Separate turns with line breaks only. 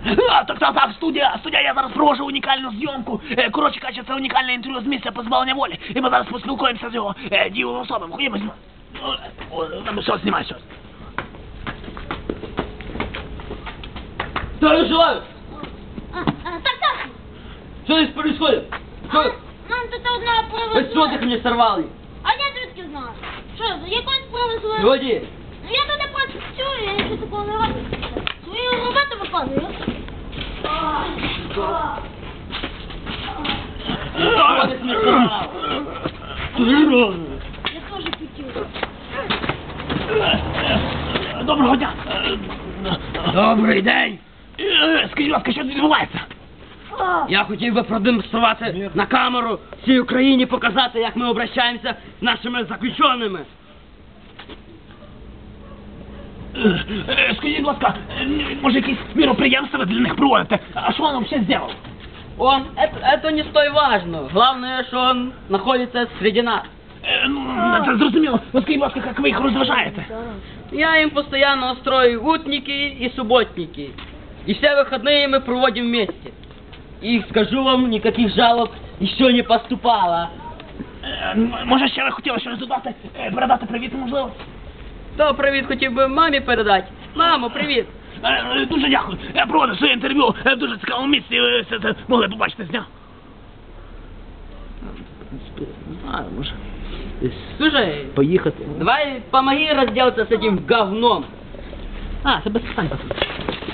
Так, студія, я зараз провожу унікальну зйомку. Коротше кажучи, це унікальне інтерв'ю з місця позбавлення волі. І ми зараз поспілкуємося з його дієвими особами. Ходімо, що, знімай щось.
Здравия желаю!
Так.
Что здесь происходит? Что?
Нам тут одна
Вы
привезли.
что так мне сорвали?
А я звідки знаю? Що, якось привезли?
Люди!
Я туди працюю, я нічого такого не роблю. Свою роботу виконую.
Что ты мне сорвал?
Я теж хотів.
Доброго дня. Добрий день. Скажіть, будь ласка, що тут відбувається?
Я хотів би продемонструвати на камеру всій Україні, показати, як ми обращаємося з нашими заключеними.
Скажіть, будь ласка, може якісь міроприємства ви для них проводите? А що він взагалі зробив?
Это не столь важно. Главное, что он находится среди нас.
Це зрозуміло. Ну скажіть, будь ласка, як ви їх розважаєте?
Я им постоянно устрою утники и субботники. И все выходные мы проводим вместе. И скажу вам, никаких жалоб еще не поступало.
Може ще ви хотіли щось додати, передати привіт, можливо?
То привіт хотів би мамі передати. Мамо, привіт.
Дуже дякую. Я проводив своє інтерв'ю в дуже цікавому місці, ви все це могли побачити з дня. Може.
Слушай,
Поїхати.
давай помоги разделаться с этим говном.
Це без питань.